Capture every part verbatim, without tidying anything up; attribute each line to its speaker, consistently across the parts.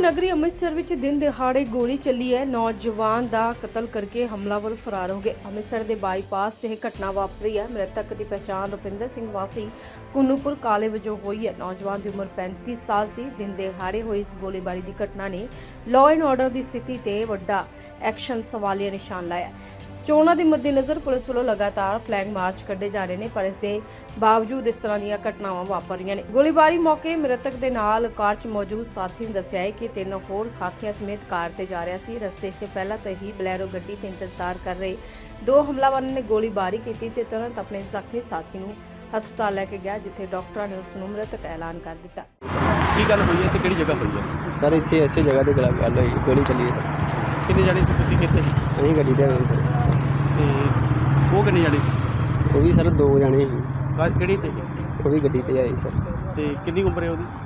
Speaker 1: ਨਗਰੀ ਅੰਮ੍ਰਿਤਸਰ ਵਿੱਚ ਦਿਨ ਦਿਹਾੜੇ ਗੋਲੀ ਚੱਲੀ ਹੈ। ਨੌਜਵਾਨ ਦਾ ਕਤਲ ਕਰਕੇ ਹਮਲਾਵਰ ਫਰਾਰ ਹੋ ਗਏ। ਅੰਮ੍ਰਿਤਸਰ ਦੇ ਬਾਈਪਾਸ 'ਚ ਇਹ ਘਟਨਾ ਵਾਪਰੀ ਹੈ। ਮ੍ਰਿਤਕ ਦੀ ਪਛਾਣ ਰੁਪਿੰਦਰ ਸਿੰਘ ਵਾਸੀ ਕੁੰਨੂਪੁਰ ਕਾਲੇ ਵਜੋਂ ਹੋਈ ਹੈ। ਨੌਜਵਾਨ ਦੀ ਉਮਰ ਪੈਂਤੀ ਸਾਲ ਸੀ। ਦਿਨ ਦਿਹਾੜੇ ਹੋਈ ਇਸ ਗੋਲੀਬਾਰੀ ਦੀ ਘਟਨਾ ਨੇ ਲਾਅ ਐਂਡ ਆਰਡਰ ਦੀ ਸਥਿਤੀ ਤੇ ਵੱਡਾ ਐਕਸ਼ਨ ਸਵਾਲੀਆ ਨਿਸ਼ਾਨ ਲਾਇਆ। ਚੋਣਾਂ ਦੇ ਮੱਦੇਨਜ਼ਰ ਪੁਲਿਸ ਵੱਲੋਂ ਲਗਾਤਾਰ ਫਲੈਗ ਮਾਰਚ ਕੱਢੇ ਜਾ ਰਹੇ ਨੇ, ਪਰ ਇਸ ਦੇ ਬਾਵਜੂਦ ਇਸ ਤਰ੍ਹਾਂ ਦੀਆਂ ਘਟਨਾਵਾਂ ਵਾਪਰ ਰਹੀਆਂ ਨੇ। ਗੋਲੀਬਾਰੀ ਮੌਕੇ ਮ੍ਰਿਤਕ ਦੇ ਨਾਲ ਕਾਰ 'ਚ ਮੌਜੂਦ ਸਾਥੀ ਨੇ ਦੱਸਿਆ ਹੈ ਕਿ ਤਿੰਨ ਹੋਰ ਸਾਥੀਆਂ ਸਮੇਤ ਕਾਰ ਤੇ ਜਾ ਰਿਹਾ ਸੀ। ਰਸਤੇ 'ਚ ਪਹਿਲਾਂ ਤੋਂ ਹੀ ਬਲੈਰੋ ਗੱਡੀ ਤੇ ਇੰਤਜ਼ਾਰ ਕਰ ਰਹੇ ਦੋ ਹਮਲਾਵਰਾਂ ਨੇ ਗੋਲੀਬਾਰੀ ਕੀਤੀ ਤੇ ਤੁਰੰਤ ਆਪਣੇ ਜ਼ਖਮੀ ਸਾਥੀ ਨੂੰ ਹਸਪਤਾਲ ਲੈ ਕੇ ਗਿਆ, ਜਿੱਥੇ ਡਾਕਟਰਾਂ ਨੇ ਉਸ ਨੂੰ ਮ੍ਰਿਤਕ ਐਲਾਨ ਕਰ ਦਿੱਤਾ।
Speaker 2: ਕੀ ਗੱਲ ਹੋਈ ਹੈ ਤੇ ਕਿਹੜੀ ਜਗ੍ਹਾ ਹੋਈ ਹੈ?
Speaker 3: ਸਰ ਇੱਥੇ ਐਸੇ ਜਗ੍ਹਾ ਤੇ ਗੱਲ ਗੱਲ ਹੋਈ, ਗੋਲੀ ਚੱਲੀ ਹੈ।
Speaker 2: ਕਿੰਨੇ ਜਾਣੇ ਸੀ ਤੁਸੀਂ, ਕਿੱਥੇ ਸੀ?
Speaker 3: ਅਸੀਂ ਗੱਡੀ ਤੇ ਆਏ ਸਰ।
Speaker 2: ਤੇ ਉਹ ਕਿੰਨੇ ਜਾਣੇ ਸੀ?
Speaker 3: ਉਹ ਵੀ ਸਰ ਦੋ ਜਾਣੇ ਸੀ।
Speaker 2: ਕਾਰ ਕਿਹੜੀ ਤੇ?
Speaker 3: ਉਹ ਵੀ ਗੱਡੀ ਤੇ ਆਏ ਸਰ।
Speaker 2: ਤੇ ਕਿੰਨੀ ਉਮਰ ਹੈ ਉਹਦੀ?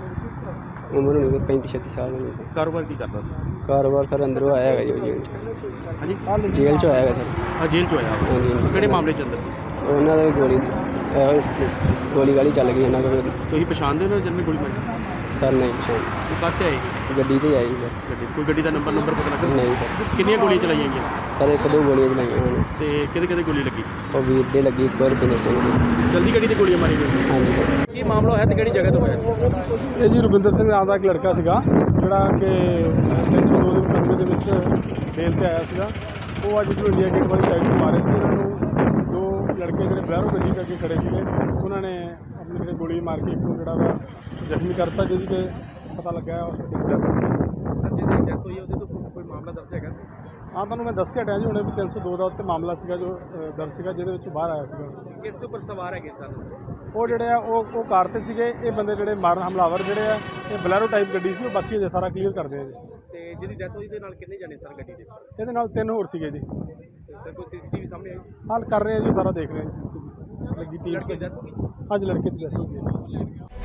Speaker 3: ਉਮਰ ਹੋਣੀ ਕੋਈ ਪੈਂਤੀ ਛੱਤੀ ਸਾਲ ਹੋਣੀ ਸਰ।
Speaker 2: ਕਾਰੋਬਾਰ ਕੀ ਕਰਦਾ ਸੀ?
Speaker 3: ਕਾਰੋਬਾਰ ਸਰ ਅੰਦਰੋਂ ਆਇਆ ਹੈਗਾ ਜੀ ਉਹ ਜੇਲ੍ਹ 'ਚ।
Speaker 2: ਹਾਂਜੀ,
Speaker 3: ਜੇਲ੍ਹ 'ਚੋਂ ਆਇਆ ਹੈਗਾ ਸਰ।
Speaker 2: ਹਾਂ, ਜੇਲ੍ਹ 'ਚੋਂ ਆਇਆ।
Speaker 3: ਹਾਂਜੀ, ਹਾਂਜੀ।
Speaker 2: ਕਿਹੜੇ ਮਾਮਲੇ 'ਚ ਅੰਦਰ ਸੀ?
Speaker 3: ਉਹਨਾਂ ਦਾ ਵੀ ਗੋਲੀ ਇਹੋ ਗੋਲੀ ਗਾਲੀ ਚੱਲ ਗਈ ਉਹਨਾਂ ਕੋਲ।
Speaker 2: ਤੁਸੀਂ ਪਛਾਣਦੇ ਹੋ ਨਾ ਜਿਹਨੇ ਗੋਲੀ ਮਾਰੀ?
Speaker 3: ਸਰ ਨਹੀਂ ਪਛਾਣ।
Speaker 2: ਉਹ ਕਾਹਤੇ ਆਏ?
Speaker 3: ਗੱਡੀ ਤੇ ਆਈ ਸਰ।
Speaker 2: ਗੱਡੀ ਕੋਈ ਗੱਡੀ ਦਾ ਨੰਬਰ ਨੰਬਰ ਪਤਾ ਲੱਗਾ?
Speaker 3: ਨਹੀਂ ਸਰ।
Speaker 2: ਕਿੰਨੀਆਂ ਗੋਲੀਆਂ ਚਲਾਈਆਂ ਗਈਆਂ?
Speaker 3: ਸਰ ਇੱਕ ਦੋ ਗੋਲੀਆਂ ਚਲਾਈਆਂ ਉਹਨਾਂ ਨੇ।
Speaker 2: ਤੇ ਕਿਹਦੇ ਕਿਹਦੇ ਗੋਲੀ ਲੱਗੀ?
Speaker 3: ਉਹ ਵੀਰ ਦੇ ਲੱਗੀ, ਇੱਕ ਹੋਰ ਰੁਪਿੰਦਰ ਸਿੰਘ ਦੀ।
Speaker 2: ਜਲਦੀ ਗੱਡੀ ਤੇ ਗੋਲੀਆਂ ਮਾਰੀ ਗਈਆਂ?
Speaker 3: ਹਾਂਜੀ ਸਰ।
Speaker 2: ਕੀ ਮਾਮਲਾ ਹੋਇਆ ਤੇ ਕਿਹੜੀ ਜਗ੍ਹਾ ਤੋਂ ਹੋਇਆ?
Speaker 4: ਇਹ ਜੀ ਰੁਪਿੰਦਰ ਸਿੰਘ ਨਾਮ ਦਾ ਇੱਕ ਲੜਕਾ ਸੀਗਾ, ਜਿਹੜਾ ਕਿ ਤਿੰਨ ਸੌ ਦੋ ਦੇ ਮੁਕੱਦਮੇ ਦੇ ਵਿੱਚ ਬੇਲ ਤੇ ਆਇਆ ਸੀਗਾ। ਉਹ ਅੱਜ ਜਦੋਂ ਇੰਡੀਆ ਗੇਟ ਵਾਲੀ ਸਾਈਡ ਤੋਂ ਮਾਰੇ ਸੀ, ਉਹਨਾਂ ਨੂੰ ਦੋ ਲੜਕੇ ਜਿਹੜੇ ਬਲੈਰੋ ਗੱਡੀ ਦੇ ਅੱਗੇ ਖੜੇ ਸੀਗੇ, ਉਹਨਾਂ ਨੇ ਆਪਣੀ ਜਿਹੜੇ ਗੋਲੀ ਮਾਰ ਕੇ ਇੱਕ ਨੂੰ ਜਿਹੜਾ ਵਾ ਜ਼ਖਮੀ ਕਰਤਾ, ਜਿਹਦੀ ਕਿ ਪਤਾ ਲੱਗਾ ਉਸ ਦੀ ਡੈਥ
Speaker 2: ਜਿਹਦੀ ਡੈਥ ਹੋਈ ਉਹਦੇ ਤੋਂ ਕੋਈ ਮਾਮਲਾ ਦਰਜ ਹੈਗਾ?
Speaker 4: ਹਾਂ, ਤੁਹਾਨੂੰ ਮੈਂ ਦੱਸ ਕੇ ਹਟਿਆ ਜੀ ਹੁਣੇ ਵੀ ਤਿੰਨ ਸੌ ਦੋ ਦਾ ਉੱਤੇ ਮਾਮਲਾ ਸੀਗਾ ਜੋ ਅ, ਦਰਜ ਸੀਗਾ, ਜਿਹਦੇ ਵਿੱਚ ਬਾਹਰ ਆਇਆ ਸੀਗਾ।
Speaker 2: ਕਿਸ ਦੇ ਉੱਪਰ ਸਵਾਰ ਹੈਗੇ ਸਰ?
Speaker 4: ਉਹ ਜਿਹੜੇ ਆ ਉਹ ਉਹ ਕਾਰ ਤੇ ਸੀਗੇ। ਇਹ ਬੰਦੇ ਜਿਹੜੇ ਮਾਰਨ ਹਮਲਾਵਰ ਜਿਹੜੇ ਆ, ਇਹ ਬਲੈਰੋ ਟਾਈਪ ਗੱਡੀ ਸੀ। ਉਹ ਬਾਕੀ ਅਜੇ ਸਾਰਾ ਕਲੀਅਰ ਕਰਦੇ ਆ ਜੀ।
Speaker 2: ਤੇ ਜਿਹਦੀ ਡੈਥ ਹੋਈ ਦੇ ਨਾਲ ਕਿੰਨੇ ਜਾਣੇ ਸਰ ਗੱਡੀ ਦੇ?
Speaker 4: ਇਹਦੇ ਨਾਲ ਤਿੰਨ ਹੋਰ ਸੀਗੇ ਜੀ।
Speaker 2: ਸਰ ਕੋਈ ਸੀਸੀਟੀਵੀ ਸਾਹਮਣੇ ਆਈ?
Speaker 4: ਹਾਲ ਕਰ ਰਹੇ ਆ ਜੀ, ਸਾਰਾ ਦੇਖ ਰਹੇ ਆ ਜੀ। ਲੱਗੀ ਟੀਮ
Speaker 2: ਲੜਕੇ ਦੀ ਡੈਥ ਹੋ ਗਈ?
Speaker 4: ਅੱਜ ਲੜਕੇ ਦੀ ਡੈਥ ਹੋ ਗਈ।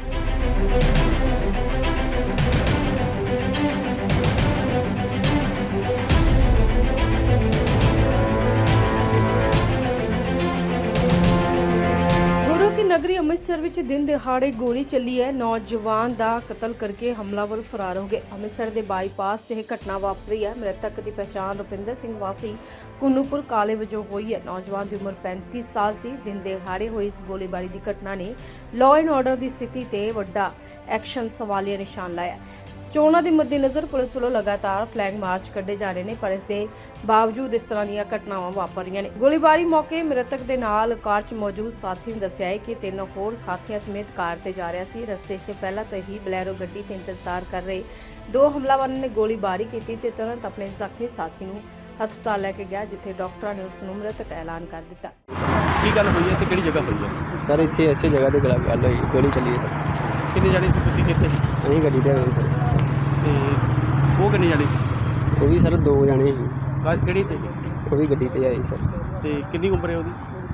Speaker 1: ਗੁਰੂ ਕੀ ਨਗਰੀ ਅੰਮ੍ਰਿਤਸਰ ਵਿੱਚ ਦਿਨ ਦਿਹਾੜੇ ਗੋਲੀ ਚੱਲੀ ਹੈ। ਨੌਜਵਾਨ ਦਾ ਕਤਲ ਕਰਕੇ ਹਮਲਾਵਰ ਫਰਾਰ ਹੋ ਗਏ। ਅੰਮ੍ਰਿਤਸਰ ਦੇ ਬਾਈਪਾਸ 'ਚ ਇਹ ਘਟਨਾ ਵਾਪਰੀ ਹੈ। ਮ੍ਰਿਤਕ ਦੀ ਪਛਾਣ ਰੁਪਿੰਦਰ ਸਿੰਘ ਵਾਸੀ ਕੁੰਨੂਪੁਰ ਕਾਲੇ ਵਜੋਂ ਹੋਈ ਹੈ। ਨੌਜਵਾਨ ਦੀ ਉਮਰ ਪੈਂਤੀ ਸਾਲ ਸੀ। ਦਿਨ ਦਿਹਾੜੇ ਹੋਈ ਇਸ ਗੋਲੀਬਾਰੀ ਦੀ ਘਟਨਾ ਨੇ ਲਾਅ ਐਂਡ ਆਰਡਰ ਦੀ ਸਥਿਤੀ ਤੇ ਵੱਡਾ ਐਕਸ਼ਨ ਸਵਾਲੀਆ ਨਿਸ਼ਾਨ ਲਾਇਆ। ਚੋਣਾਂ ਦੇ ਮੱਦੇਨਜ਼ਰ ਪੁਲਿਸ ਵੱਲੋਂ ਲਗਾਤਾਰ ਫਲੈਗ ਮਾਰਚ ਕੱਢੇ ਜਾ ਰਹੇ ਨੇ, ਪਰ ਇਸ ਦੇ ਬਾਵਜੂਦ ਇਸ ਤਰ੍ਹਾਂ ਦੀਆਂ ਘਟਨਾਵਾਂ ਵਾਪਰ ਰਹੀਆਂ ਨੇ। ਗੋਲੀਬਾਰੀ ਮੌਕੇ ਮ੍ਰਿਤਕ ਦੇ ਨਾਲ ਕਾਰ 'ਚ ਮੌਜੂਦ ਸਾਥੀ ਨੇ ਦੱਸਿਆ ਹੈ ਕਿ ਤਿੰਨ ਹੋਰ ਸਾਥੀਆਂ ਸਮੇਤ ਕਾਰ ਤੇ ਜਾ ਰਿਹਾ ਸੀ। ਰਸਤੇ 'ਚ ਪਹਿਲਾਂ ਤੋਂ ਹੀ ਬਲੈਰੋ ਗੱਡੀ ਤੇ ਇੰਤਜ਼ਾਰ ਕਰ ਰਹੇ ਦੋ ਹਮਲਾਵਰਾਂ ਨੇ ਗੋਲੀਬਾਰੀ ਕੀਤੀ ਤੇ ਤੁਰੰਤ ਆਪਣੇ ਜ਼ਖਮੀ ਸਾਥੀ ਨੂੰ ਹਸਪਤਾਲ ਲੈ ਕੇ ਗਿਆ, ਜਿੱਥੇ ਡਾਕਟਰਾਂ ਨੇ ਉਸ ਨੂੰ ਮ੍ਰਿਤਕ ਐਲਾਨ ਕਰ ਦਿੱਤਾ।
Speaker 2: ਕੀ ਗੱਲ ਹੋਈ ਹੈ ਤੇ ਕਿਹੜੀ ਜਗ੍ਹਾ ਹੋਈ ਹੈ?
Speaker 3: ਸਰ ਇੱਥੇ ਐਸੇ ਜਗ੍ਹਾ ਤੇ ਗੱਲ ਗੱਲ ਹੋਈ, ਗੋਲੀ ਚੱਲੀ ਹੈ।
Speaker 2: ਕਿੰਨੇ ਜਾਣੇ ਸੀ ਤੁਸੀਂ, ਕਿੱਥੇ ਸੀ?
Speaker 3: ਅਸੀਂ ਗੱਡੀ ਤੇ ਆਏ ਸਰ।
Speaker 2: ਤੇ ਉਹ ਕਿੰਨੇ ਜਾਣੇ ਸੀ?
Speaker 3: ਉਹ ਵੀ ਸਰ ਦੋ ਜਾਣੇ ਸੀ।
Speaker 2: ਕਾਰ ਕਿਹੜੀ ਤੇ?
Speaker 3: ਉਹ ਵੀ ਗੱਡੀ ਤੇ ਆਏ ਸਰ।
Speaker 2: ਤੇ ਕਿੰਨੀ ਉਮਰ ਹੈ ਉਹਦੀ?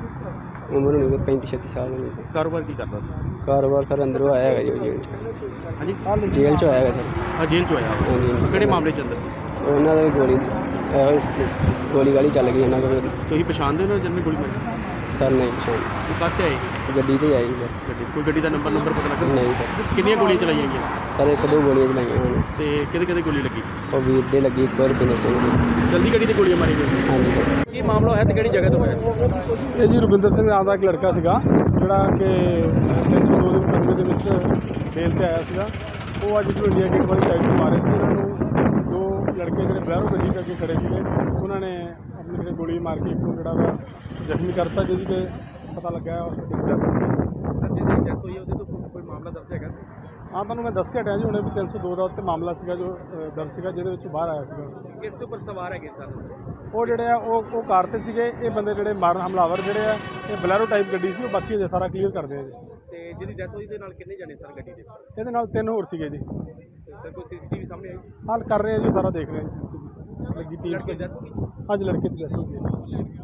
Speaker 3: ਉਮਰ ਹੋਣੀ ਕੋਈ ਪੈਂਤੀ ਛੱਤੀ ਸਾਲ ਹੋਣੀ ਸਰ।
Speaker 2: ਕਾਰੋਬਾਰ ਕੀ ਕਰਦਾ ਸੀ?
Speaker 3: ਕਾਰੋਬਾਰ ਸਰ ਅੰਦਰੋਂ ਆਇਆ ਹੈਗਾ ਜੀ ਉਹ ਜੇਲ੍ਹ 'ਚ।
Speaker 2: ਹਾਂਜੀ,
Speaker 3: ਜੇਲ੍ਹ 'ਚੋਂ ਆਇਆ ਹੈਗਾ ਸਰ।
Speaker 2: ਹਾਂ, ਜੇਲ੍ਹ 'ਚੋਂ ਆਇਆ।
Speaker 3: ਹਾਂਜੀ, ਹਾਂਜੀ।
Speaker 2: ਕਿਹੜੇ ਮਾਮਲੇ 'ਚ ਅੰਦਰ ਸੀ?
Speaker 3: ਉਹਨਾਂ ਦਾ ਵੀ ਗੋਲੀ ਇਹੋ ਗੋਲੀ ਗਾਲੀ ਚੱਲ ਗਈ ਉਹਨਾਂ ਕੋਲ।
Speaker 2: ਤੁਸੀਂ ਪਛਾਣਦੇ ਹੋ ਨਾ ਜਿਹਨੇ ਗੋਲੀ ਮਾਰੀ?
Speaker 3: ਸਰ ਨਹੀਂ ਪਛਾਣ।
Speaker 2: ਉਹ ਕਾਹਤੇ ਆਏ?
Speaker 3: ਗੱਡੀ ਤੇ ਆਈ ਸਰ।
Speaker 2: ਗੱਡੀ ਕੋਈ ਗੱਡੀ ਦਾ ਨੰਬਰ ਨੰਬਰ ਪਤਾ ਲੱਗਾ?
Speaker 3: ਨਹੀਂ ਸਰ।
Speaker 2: ਕਿੰਨੀਆਂ ਗੋਲੀਆਂ ਚਲਾਈਆਂ ਗਈਆਂ?
Speaker 3: ਸਰ ਇੱਕ ਦੋ ਗੋਲੀਆਂ ਚਲਾਈਆਂ ਉਹਨਾਂ ਨੇ।
Speaker 2: ਤੇ ਕਿਹਦੇ ਕਿਹਦੇ ਗੋਲੀ ਲੱਗੀ?
Speaker 3: ਉਹ ਵੀਰ ਦੇ ਲੱਗੀ, ਇੱਕ ਹੋਰ ਰੁਪਿੰਦਰ ਸਿੰਘ ਦੀ।
Speaker 2: ਜਲਦੀ ਗੱਡੀ ਤੇ ਗੋਲੀਆਂ ਮਾਰੀ ਗਈਆਂ?
Speaker 3: ਹਾਂਜੀ ਸਰ।
Speaker 2: ਕੀ ਮਾਮਲਾ ਹੋਇਆ ਤੇ ਕਿਹੜੀ ਜਗ੍ਹਾ ਤੋਂ ਹੋਇਆ?
Speaker 4: ਇਹ ਜੀ ਰੁਪਿੰਦਰ ਸਿੰਘ ਨਾਮ ਦਾ ਇੱਕ ਲੜਕਾ ਸੀਗਾ, ਜਿਹੜਾ ਕਿ ਤਿੰਨ ਸੌ ਦੋ ਦੇ ਮੁਕੱਦਮੇ ਦੇ ਵਿੱਚ ਬੇਲ ਤੇ ਆਇਆ ਸੀਗਾ। ਉਹ ਅੱਜ ਜਦੋਂ ਇੰਡੀਆ ਗੇਟ ਵਾਲੀ ਸਾਈਡ ਤੋਂ ਮਾਰੇ ਸੀ, ਉਹਨਾਂ ਨੂੰ ਦੋ ਲੜਕੇ ਜਿਹੜੇ ਬਲੈਰੋ ਗੱਡੀ ਦੇ ਅੱਗੇ ਖੜੇ ਸੀਗੇ, ਉਹਨਾਂ ਨੇ ਆਪਣੀ ਜਿਹੜੇ ਗੋਲੀ ਮਾਰ ਕੇ ਇੱਕ ਨੂੰ ਜਿਹੜਾ ਵਾ ਜ਼ਖਮੀ ਕਰਤਾ, ਜਿਹਦੀ ਕਿ ਪਤਾ ਲੱਗਾ ਉਸ ਦੀ ਡੈਥ
Speaker 2: ਜਿਹਦੀ ਡੈਥ ਹੋਈ ਉਹਦੇ ਤੋਂ ਕੋਈ ਮਾਮਲਾ ਦਰਜ ਹੈਗਾ?
Speaker 4: ਹਾਂ, ਤੁਹਾਨੂੰ ਮੈਂ ਦੱਸ ਕੇ ਹਟਿਆ ਜੀ ਹੁਣੇ ਵੀ ਤਿੰਨ ਸੌ ਦੋ ਦਾ ਉੱਤੇ ਮਾਮਲਾ ਸੀਗਾ ਜੋ ਅ, ਦਰਜ ਸੀਗਾ, ਜਿਹਦੇ ਵਿੱਚ ਬਾਹਰ ਆਇਆ ਸੀਗਾ।
Speaker 2: ਕਿਸ ਦੇ ਉੱਪਰ ਸਵਾਰ ਹੈਗੇ ਸਰ?
Speaker 4: ਉਹ ਜਿਹੜੇ ਆ ਉਹ ਉਹ ਕਾਰ ਤੇ ਸੀਗੇ। ਇਹ ਬੰਦੇ ਜਿਹੜੇ ਮਾਰਨ ਹਮਲਾਵਰ ਜਿਹੜੇ ਆ, ਇਹ ਬਲੈਰੋ ਟਾਈਪ ਗੱਡੀ ਸੀ। ਉਹ ਬਾਕੀ ਅਜੇ ਸਾਰਾ ਕਲੀਅਰ ਕਰਦੇ ਆ ਜੀ।
Speaker 2: ਤੇ ਜਿਹਦੀ ਡੈਥ ਹੋਈ ਦੇ ਨਾਲ ਕਿੰਨੇ ਜਾਣੇ ਸਰ ਗੱਡੀ ਦੇ?
Speaker 4: ਇਹਦੇ ਨਾਲ ਤਿੰਨ ਹੋਰ ਸੀਗੇ ਜੀ।
Speaker 2: ਸਰ ਕੋਈ ਸੀਸੀਟੀਵੀ ਸਾਹਮਣੇ ਆਈ?
Speaker 4: ਹਾਲ ਕਰ ਰਹੇ ਆ ਜੀ, ਸਾਰਾ ਦੇਖ ਰਹੇ ਆ ਜੀ। ਲੱਗੀ ਟੀਮ
Speaker 2: ਲੜਕੇ ਦੀ ਡੈਥ ਹੋ ਗਈ?
Speaker 4: ਅੱਜ ਲੜਕੇ ਦੀ ਡੈਥ ਹੋ ਗਈ।